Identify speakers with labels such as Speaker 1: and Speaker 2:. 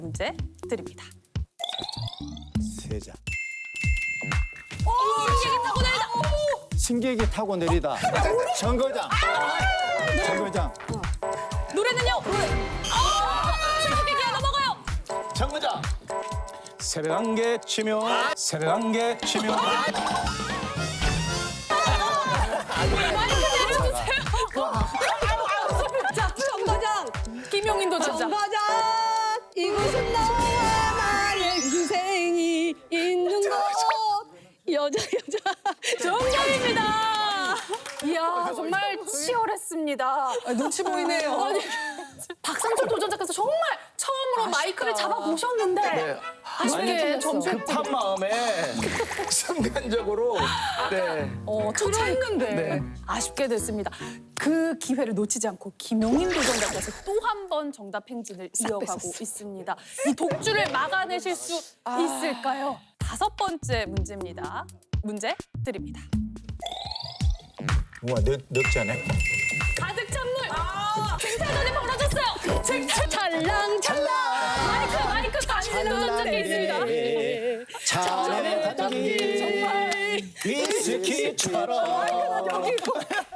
Speaker 1: 문제 드립니다.
Speaker 2: 세자.
Speaker 1: 신기하게 타고 내리다.
Speaker 2: 신기하게 타고 내리다. 정거장. 정거장.
Speaker 1: 노래는요? 새롭게 기회 넘어가요.
Speaker 2: 정거장.
Speaker 3: 새벽 안개 치며 새벽 안개 치며
Speaker 1: 자, 정거장. 김용인도 진짜.
Speaker 4: 정거장 이곳은 너와 나의 인생이 있는 곳 여자
Speaker 1: 정답입니다. 이야, 정말 치열했습니다.
Speaker 4: 눈치 보이네요.
Speaker 1: 아니, 박상철 도전자께서 정말 처음으로 마이크를 잡아보셨는데 아쉽게 점수를
Speaker 3: 급한 마음에 순간적으로
Speaker 1: 투자했는데
Speaker 3: 네.
Speaker 1: 아쉽게 됐습니다. 그 기회를 놓치지 않고 김용인 도전자께서 또 한 번 정답 행진을 이어가고 있습니다. 이 독주를 막아내실 수 있을까요? 5번째 문제입니다. 문제 드립니다.
Speaker 2: 우와, 넉자네.
Speaker 1: 가득 찬 물! 쟁탈전이 벌어졌어요! 쟁탈 찰랑찰랑! 마이크 단지는 도전자께 있습니다.
Speaker 2: 자네
Speaker 1: 정말
Speaker 3: 위스키처럼